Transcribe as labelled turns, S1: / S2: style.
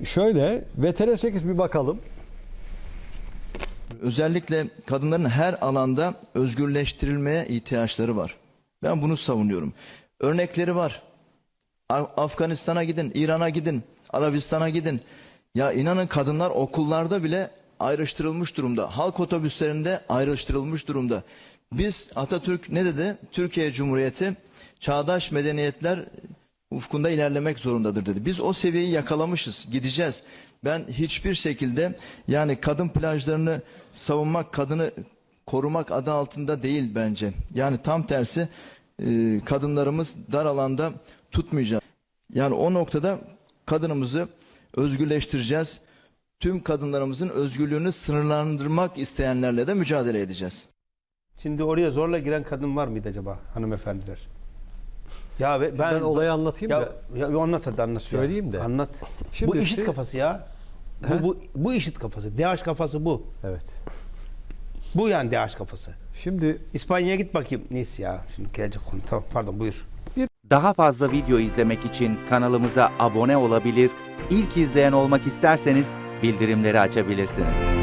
S1: şöyle VTR8 bir bakalım.
S2: Özellikle kadınların her alanda özgürleştirilmeye ihtiyaçları var. Ben bunu savunuyorum. Örnekleri var. Afganistan'a gidin, İran'a gidin, Arabistan'a gidin. Ya inanın kadınlar okullarda bile ayrıştırılmış durumda. Halk otobüslerinde ayrıştırılmış durumda. Biz Atatürk ne dedi? Türkiye Cumhuriyeti çağdaş medeniyetler ufkunda ilerlemek zorundadır dedi. Biz o seviyeyi yakalamışız, gideceğiz. Ben hiçbir şekilde yani kadın plajlarını savunmak, kadını korumak adı altında değil bence. Yani tam tersi kadınlarımız dar alanda tutmayacağız. Yani o noktada kadınımızı özgürleştireceğiz. Tüm kadınlarımızın özgürlüğünü sınırlandırmak isteyenlerle de mücadele edeceğiz.
S3: Şimdi oraya zorla giren kadın var mıydı acaba hanımefendiler? Ya
S1: Ben olayı anlatayım da.
S3: Ya anlat hadi anlat.
S1: Söyleyeyim de.
S3: Anlat.
S1: Şimdi
S3: bu işit
S1: işte-
S3: kafası ya. Bu işit kafası. DH kafası bu.
S1: Evet.
S3: Bu yani DH kafası.
S1: Şimdi
S3: İspanya'ya git bakayım. Neyse ya. Şimdi gelecek konu. Tamam pardon buyur.
S4: Daha fazla video izlemek için kanalımıza abone olabilir, ilk izleyen olmak isterseniz bildirimleri açabilirsiniz.